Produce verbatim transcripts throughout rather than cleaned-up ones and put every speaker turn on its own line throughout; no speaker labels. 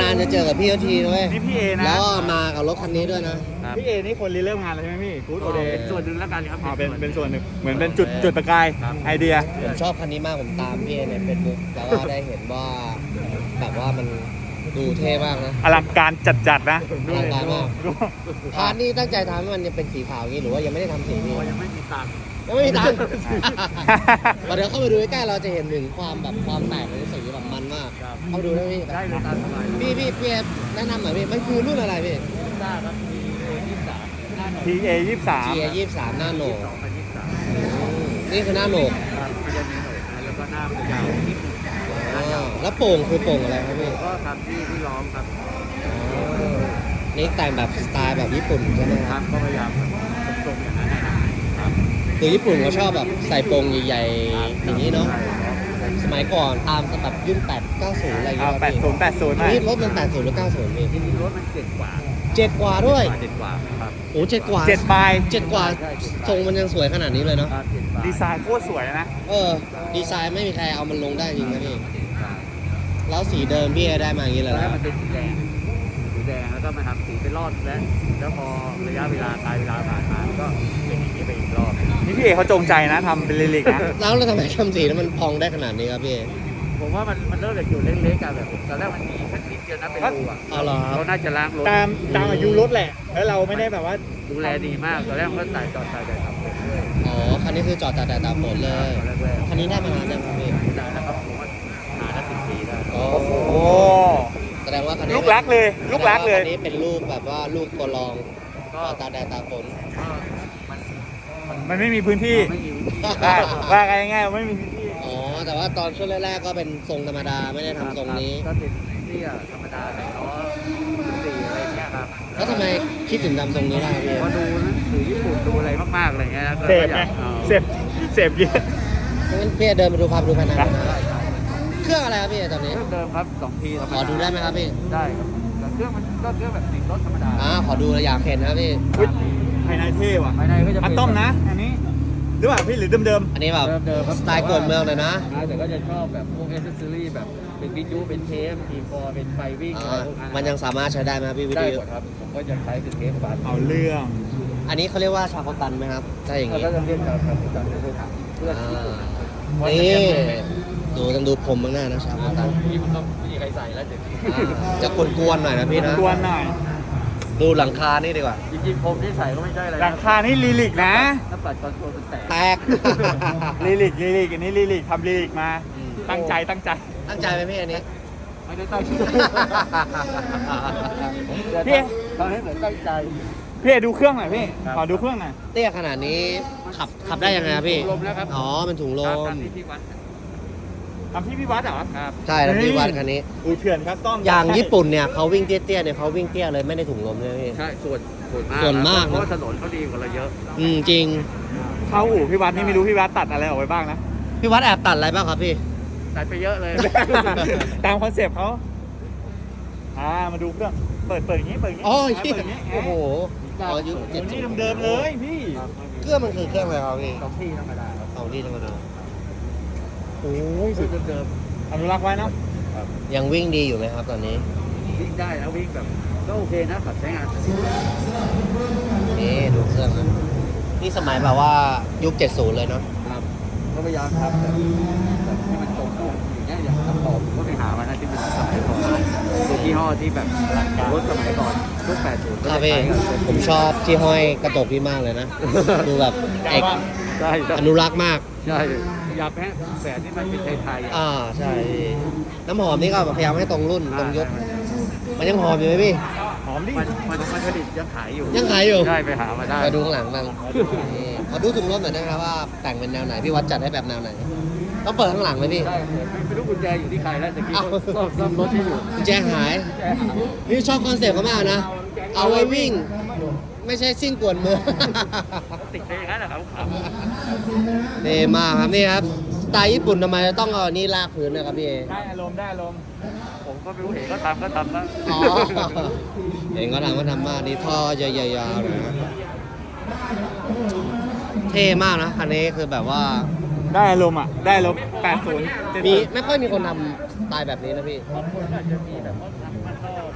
านๆจะเจอกับพี่เขาทีด้วย
นี่พี่เอนะ
แล้วก็มากับรถคันนี้ด้วยนะ
พี่เอนี่คนริเริ่มงานเลยใช่ไหมพี่กู๊ดโอเดย์
เป็นส่วนหนึ่งแล้วกันครับ
อ๋อเป็นเป็นส่วนหนึ่งเหมือนเป็นจุดจุดประกายไอเดีย
ผมชอบคันนี้มากผมตามพี่เอในเฟซบุ๊กแล้วก็ได้เห็นว่าแบบว่ามันดูเท่มากนะ
อลังการจัดๆนะ
อลังการมาก
ดู
พาร์ทนี้ตั้งใจทำให้มันเป็นสีขาวอย่างนี้หรือว่ายังไม่ได้ทำสีนี้
ยังไม่มีตังค์
ยังไม่มีตังค์พอเดี๋ยวเข้าไปดูใกล้ๆเราจะเห็นถึงความแบบความแตกของสีแบบมันมากเข้าไปดูได้พี่
ได้เลยตามสบาย
พี่พี่พี่แนะนำหน่อยพี่มันคือรุ่นอะไรพี่
ได้ครับมีเอยี่สิบสามหน้าหน่อย
ทีเอยี่สิบสาม
G A ยี่สิบสามหน้าโหนก
สองพันยี่สิบสาม
นี่คือหน้าโหนก
ครับมันจะมีหน่อยนะแล้วก็หน้ามันยาวนิดนึง
อ๋อแล้วโป่งคือโป่งอะไรครับพี่
ก็ทำที่ที่ล้อมครับ
นี่แต่งแบบสไตล์แบบญี่ปุ่นใช่ไหมค
ค
รั
รั
บบ
ก็พยายามตรงๆอย่างนั้นนะครับ
คือญี่ปุ่นเขาชอบแบบใส่โป่งใหญ่ๆอย่างนี้เนาะ สมัยก่อนตามแบบยุ่นแปด เก้าสิบอะไรอย่าง
อ่า
เงี้ย
แปดศูนย์แปดศูนย์หน่อย
นี่รถมันแปดสิบหรือเก้าสิบพี่
จริงๆรถมันเจ็ดกว่า
เจ็ดกว่าด้วย
เจ็ดกว่าครับ
โอ้เจ็ดกว่า
เจ็ดปลาย
เจ็ดกว่าทรงมันยังสวยขนาดนี้เลยเนาะ
ครับเจ็ดกว่า
ดีไซน์โคตรสวยนะ
เออ ดีไซน์ไม่มีใครเอามันลงได้จริงนะพี่
เจ็ดกว่า
แล้วสีเดิมพี่ได้มาอย่างนี้
ต
เล
อย นแร
นะ
กมันเป็นสีแดงสีแดงแล้วก็มาทำสีเป็นรอดแล้วแล้วพอระยะเวลาตายเวลาผ่านมาก็เป็นอย่างนี้ไปอีกรอบ
นี่พี่เอเขาจงใจนะทำเป็นลิลิกนะ
แล้วเราทำไมทำสีแล้วมันพองได้ขนาดนี้ครับพี่
ผมว่ามันมันเริ่มจากจุดเล็กๆกันแบบตอนแรกมันมีแค่นิดเดียวนะเป็นรูอ่ะ
อ๋อเหรอครับ
เขาน่าจะล้างรถ
ตามตามอายุรถแหละ แล้วเราไม่ได้แบบว่า
ดูแลดีมากตอนแรกมันก็ใส่จอดใส่แต่ทำผมด้วย
อ๋อ คันนี้คือจอดแต่แต่ตามฝนเลย
ตอนแรก
คันนี้ได้มานานยังครับพี่
ๆนานนะครับผมว่าหาได้สิบปีได้
โอ้
โอ้
แสดงว่าคันนี้
ลูกรักเลย ลูกรักเลย
แสดงว่าคันนี้เป็นลูกแบบว่าลูกตัวรอง
ก็
จอดตากแดดตากฝน
มัน
มันไม่มีพื้นที่
ไม่มีวิธี
ว่าว่ากันง่ายๆไม่มีพื้นที่
อ๋อ แต่ว่าตอนช่วงแรกๆก็เป็นทรงธรรมดาไม่ได้ทำทรงนี้
ก็เป็นเตี้ยธรรมดาแต่ล้อสี่อะไรเงี้ยครับ
แล้วทำไมคิดถึงทำทรงนี้ได้พี่
พอดูหนังสือญี่ปุ่นดูอะไรมากๆอะไรเงี้ยก็
เสพ
อ
ไง
ยากเอา
เสพเสพเยอะ
งั้นพี่เดินไปดูพาไปดูภายในหน่อยนะ
ได้ครับ
เครื่องอะไรครับพี่ตอนนี้
เครื่องเดิมครับสองทีธรรม
ขอดูได้ไหมครับพี่
ได้ครับแต่เครื่องมันก็เครื่องแบบติดรถธรรมดา
อ่าขอดูเลยอยากเห็นนะครับพี่
อุ๊ยภายในเท่ว่ะ
ภายในก็จะ
คั
เป็
ส
น
ตอมนะ อันนี้ หรือเปล่าพี่หรือเดิม
อันนี้แบบ
เดิมๆครับ
สไตล์กวนเมืองเลยนะ
อ่าแต่ก็จะชอบแบบพวกเอเซอรี่แบบเป็นวิทยุเป็นเทปทีฟอร์เป็นไฟวิ่ง
อ่า
อะไรพวกนั้น
มันยังสามารถใช้ได้ไหมครับพี่วิ
ได้
ดีโอ
หมดครับผมก็จะใช้เป็นเทปบัส
ๆเอาเรื่อง
อันนี้เขาเรียกว่าชาโคตันไหมครับถ้าอย่าง
แล้ว
นี้
ก็จะเรียกจากครับจากเพื่อนถามเพื่อน
อ่านี่ดูต้องดูผมบ้างหน้านะชาโคตัน
ที่มันก็ไม่มีใครใส่แล้วเดี๋ยวนี้
อ่าจะกวนๆหน่อยนะพี่นะ
กวนหน่อย
ดูหลังคานี่ดีกว่า
จริงๆผมที่ใส่ก็ไม่ใช่อะไร
หลังคานี่ลิลิกนะ
ถ้าปัดคอนโทรลมันแตก
แตก
ลิลิกลิลิกอันนี้ลิลิกทำลิลิกมา
อืม
ตั้งใจตั้งใจ
ตั้งใจไหมพี่อันนี้
ไม่ได้ตั้งใจ
พี่
ทำให้เหมือนตั้งใจ
พี่เอดูเครื่องหน่อยพี่
ครับ
ขอดูเครื่องหน่อย
เตี้ยขนาดนี้ขับขับได้ยังไงครับพี่
ถุงลมแล้วครับ
อ๋อเป็นถุงล
ครับ
ม
ตามที่ที่วัด
ทำที่พี่วัดเหรอ
ครับ
ใช่แล้วพี่วัดคันนี้
อูเถื่อนคัสตอม
อย่างญี่ปุ่นเนี่ยเขาวิ่งเตี้ยๆเนี่ยเขาวิ่งเตี้ยเลยไม่ได้ถุงลมเลยพี่
ใช่ส่วนส่วนมาก
ส่วนมาก
เพราะว่าถนนเขาดีกว่าเราเยอะ
อืมจริง
เข้าอู่พี่วัดนี่ไม่รู้พี่วัดตัดอะไรออกไปบ้างนะ
พี่วัดแอบตัดอะไรบ้างครับพี่
ตัดไปเยอะเลย
ตามคอนเซปต์เขาอ่ามาดูเครื่อง เปิดเปิดอย่างนี้ เปิดอย่างนี้
อ๋อ
เปิดอย่างนี้
โอ้โหอ๋อยุค
โอ้
เจ็ด
โห
สิ
นี่
บ
เดิมๆเลยพี่
ครับ
เครื่องมันคือเครื่องอะไรครับพี่
สองที่ธรรมดาครับ
สองที่ธรรมดา
โอ้ย
คือเดิม
อนุรักษ์ไว้เนาะ
ๆครับ
ยังวิ่งดีอยู่ไหมครับตอนนี้
วิ่งได้นะวิ่งแบบก็โอเคนะขับใช้งาน
นี่ดูเครื่องนะนี่สมัยแบบว่ายุคเจ็ดสิบเลยเนาะ
ครับก็พยายามทำแบบแบบให้มันตรงตัวอย่างเงี้ยอย่างคำตอบผมก็ไปหามานะที่มันสมัยก่อนตัวยี่ห้อที่แบบรถสมัยก่อนรุ่นแปดสิบก็
ครับ
จะ
พี่
ใช้กัน
ผมชอบที่ห้อยกระจกพี่มากเลยนะ ดูแบบเอก
ใช่ใช่
อนุรักษ์มาก
ใช่อยากให้แสนที่มันเป็นไทยๆอ่ะ
อ่าใช่พี่น้ำหอมนี่ก็พยายามให้ตรงรุ่นตรงยุคมันยังหอมอยู่ไหมพี่
หอมดิ
มันมันมันผลิตยังขายอยู่
ยังขายอยู่
ใช่ไปหามาได้
มาดูข้างหลังบ้างนี่ขอดูถุงลมหน่อยได้ไหมครับว่าแต่งเป็นแนวไหนพี่วัดจัดให้แบบแนวไหนต้องเปิดข้างหลังไหมพี่
ใช่ไม่ไม่รู้กุญแจอยู่ที่ใครแล้วแต่กี้
อ้าว
ก็ซ่อมรถที่อยู่
กุญแจหาย
กุญแจหาย
นี่ชอบคอนเซ็ปต์เขามากนะ เอาไว้วิ่ง ไม่ใช่ซิ่งกวนเมือง
ติดไปอย่างนั้นนะครับครับ
นี่มากครับนี่ครับสไตล์ญี่ปุ่นทำไมต้องเอานี่ลากพื้นนะครับพี่เอ
ได้อารมณ์ได้อารมณ์
ผมก็ไม่รู้เห็นก็ทำก็ทำนะ
อ๋อเห็นเขาทำก็ทำมากนี่ท่อใหญ่ๆๆเลยนะเท่มากนะคันนี้คือแบบว่า
ได้อารมณ์อ่ะ ได้อารมณ์แปดศูนย์
มีไม่ค่อยมีคนทำสไตล์แบบนี้นะพี่
บางคนอาจจะมีแบบว่าทำมันนอก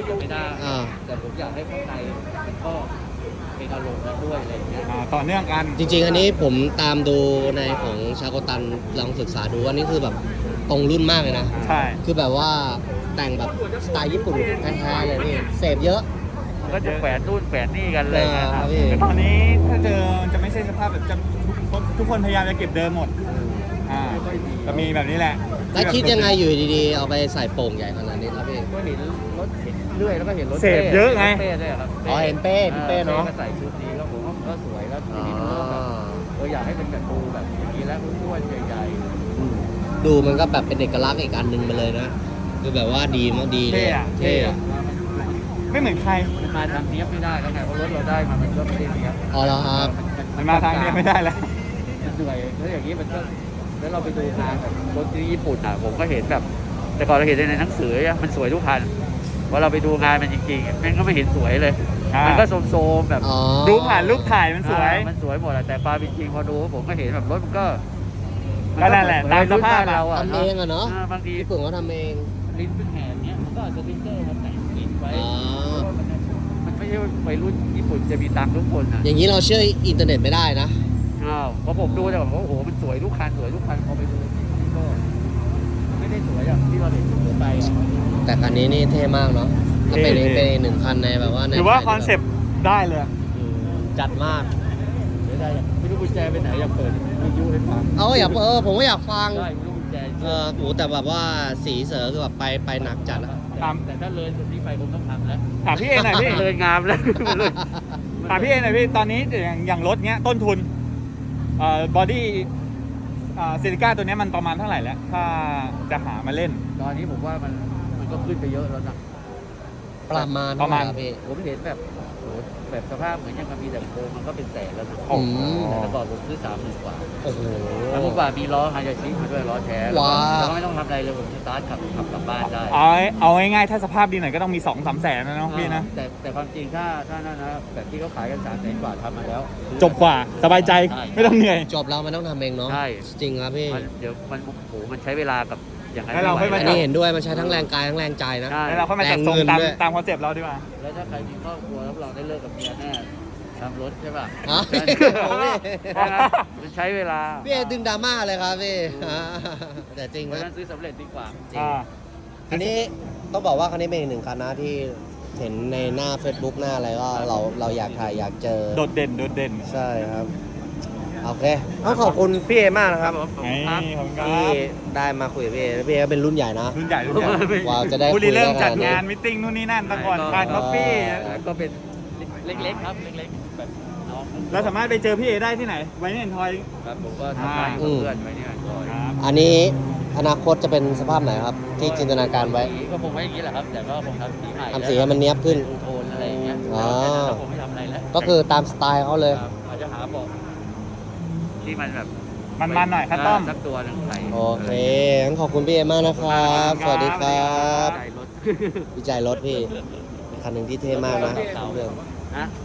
ยังไม่ได้
อ่า
แต่ผมอยากให้ข้างในมันก็เป็นอารมณ์นั้นด้วยอะไรอย่างเงี้ย
อ่าต่อเนื่องกัน
จริงๆ อันนี้ผมตามดูในของชาโกตันลองศึกษาดูอันนี้คือแบบตรงรุ่นมากเลยนะ
ใช่
คือแบบว่าแต่งแบบสไตล์ญี่ปุ่นแท้ๆเลยพี่เสพเยอะ
ก็จะแขวนนู่นแขวนนี่กันเลยนะ
เออ
ค
ครั
รั
บบ พี่
แต่ตอนนี้ถ้าเจอจะไม่ใช่สภาพแบบจะทุกทุกคนพยายามจะเก็บเดิมหมดอ่าจะมีแบบนี้แหละ
แล้วคิดยังไงอยู่ดีๆ เอาไปใส่โป่งใหญ่ขนาดนี้ครับพี่
ก็เห็นรถเห็นเรื่อยแล้วก็เห็นรถ
เสพเยอะไง
รถเป้ด้วยครับ
อ๋อเห็นเป้พี่เป้เนอะ
ก็ใส่ชุดนี้แล้วผมว่าก็สวยแล้วที
อ๋อ
นี้มันก็แบบเอออยากให้เป็นแบบดูแบบอย่างนี้แล้วอ้วนๆใหญ่
ดูมันก็แบบเป็นเอกลักษณ์อีกอันหนึ่งไปเลยนะคือแบบว่าดีมากดีเลย
เท่อะ
ๆ
เท่อะ
ไม่เหมือนใคร
มันมาทางเนี้ยบไม่ได้แล้วไงเพราะรถเราได้มามันก็ไม่ได้เนี้ยบ
อ๋อแล้วครับ
มันมาทางนี้ไม่ได้แล้ว
มันเหนื่อยแล้วอย่างนี้มันก็แล้วเราไปดูงานแบบรถที่ญี่ปุ่นอ่ะผมก็เห็นแบบ แต่ก่อนเราเห็นในหนังสืออะมันสวยทุกคันพอเราไปดูงานมันจริงๆแม่งก็ไม่เห็นสวยเลย
อ่ามั
มันก็โซมๆแบบ
อ๋อ
ดูผ่านรูปถ่ายมันสวย
อ่ามันสวยหมดอะแต่ความเป็นจริงพอดูผมก็เห็นแบบรถมันก็
ก็นั่นแหละตามสภาพอะ
เราอะ
ทำเองอะเนาะ
อ่บางที
ญี่ปุ่นเขาทำเอง
ลิ้นเป็นแหนเนี้ยมันก็เอาสติ๊กเกอร์มาแต่งลิ้นไว้
อ๋อ
เพราะว่ามันมันไม่ใช่วัยรุ่นญี่ปุ่นจะมีตังค์ทุกคนอะ
อย่างนี้เราเชื่ออินเทอร์เน็ตไม่ได้นะ
อ้าวพอผมดูแต่แบบว่าโอ้โหมันสวยทุกคันสวยทุกคันพอไปดูมันก็ไม่ได้สวยอย่างที่เราเห็นทั่วไปอะ
แต่คันนี้นี่เท่มากเนาะก็เป็น
เท่
เป็นอีกหนึ่งคันในแบบว่าใน
ถือว่า
ไทย
คอนเซปต์ได้เลย
จัดมาก
เดี๋ยวได้อยากไม่รู้กุญแจไปไหนอยากเปิดวิทยุให้ฟัง
เอาอยากเออผมก็อยากฟัง
ได้ไม่รู้กุญแจ
เออโหแต่แบบว่าสีเสือคือแบบไปไปหนักจัดอะ
ตาม
แต่ถ้าเลยจุดนี้ไปผมต้องทำแล้ว
ถามพี่เอหน่อยพี่
เลยงามแล้วเลย
ถามพี่เอหน่อยพี่ ตอนนี้อย่างอย่างรถเนี้ยต้นทุนเอ่อบอดี้ซิลิก้าตัวเนี้ยมันประมาณเท่าไหร่แล้ว ถ้าจะหามาเล่น
ตอนนี้ผมว่ามันมันก็ขึ้นไปเยอะแล้วนะ
ประมาณ
ประมาณ
เท่ไหคบพี่
ผมเห็นแบบโหแบบสภาพเหมือนยังมีแต่โครงมันก็เป็นแสนแล้วนะ
อืม
แต่ก่อนผมซื้อสามหมื่นกว่า
โอ้โห
แล้วผมว่ามีล้อฮายาชิมาด้วยล้อแท้แล้ว
ว้า
ก็แล้วก็ไม่ต้องทำอะไรเลยผมสตาร์ทขับขับกลับบ้านได้
เอาเอาง่ายๆถ้าสภาพดีหน่อยก็ต้องมีสองสามแสนนะเนาะพี่นะ
แต่แต่ความจริงถ้าถ้านั่นนะแบบที่เขาขายกันสามแสนกว่าทำมาแล้ว
จบกว่าสบายใจไม่ต้องเหนื่อย
จบแล้วมันต้องทำเองเนาะ
ใช่
จริงครับพี่
มันเดี๋ยวมันโอ้โหมันใช้เวลากับอย่างนั้น
ให้เราค่อยมา
อันนี้เห็นด้วยมันใช้ทั้งแรงกายทั้งแรงใจนะ
ใช่
แล้วเราค่อยมาจัดทรง
แรงเงิน
ตาม
ด้วย
ตามคอนเซปต์เราดีกว่า
แล้วถ้าใครมีครอบครัวรับรองได้เลิกกับเมียแน่ทำรถใช่ป่ะ
ฮะ โอ้ย
เพราะงั้นมันใช้เวลา
พี่เอดึงดราม่าเลยครับพี่อ่าแต่จริง
เพราะ
นะ
ฉะนั้นซื้อสำเร็จดีกว่า
จริง
อ่า
อันนี้ต้องบอกว่าคันนี้เป็นอีกหนึ่งคันนะที่เห็นในหน้า Facebook หน้าอะไรก็เราเราอยากถ่ายอยากเจอ
โดดเด่นโดดเด่น
ใช่ครับ โอเคต้องขอบคุณพี่เอมากนะครับ
นี่ขอบคุณครั
ที่
บ
ได้มาคุยกับพี่เอพี่เอก็เป็นรุ่นใหญ่นะ
รุ่นใหญ่รุ่นใหญ่
กว่าจะได้
ผู้
คุ
ดี
ย
เริ่ม
ได้ข
จัด
นาดนี้
งานมิทติ้งนู่นนี่นั่นตะก่อนทานกาแฟ
ก็เป็นเล็กๆครับเล็กๆแบบน้อง
เราสามารถไปเจอพี่เอได้ที่ไหน ไว้ในทอย
ครับผมก็ทำงานกับเพื่อนไว้เนี่ยก็
ครับ
อันนี้อนาคตจะเป็นสภาพไหนครับ ที่จินตนาการไว้
สีก็คงไว้อย่างนี้แหละครับ แต่ก็คงทำสีใหม่
ทำสีให้มันเนียบขึ้น
ดูโทนอะไรอย่างเงี้ย
อ๋อ
แต่คงไม่ทำอะไรแล้ว
ก็คือตามสไตล์เขาเลย
ครับอาจจะหาเบอกที่มันแบบ
มันๆหน่อยคัสตอม
สักตัวหนึงใส่
โอเคงั้นขอบคุณพี่เอมากนะครับ สวัสดีครับ
ใจรถ
วิจัยรถพี่เป็นคันหนึ่งที่เท่มากนะเพื่อน
นะ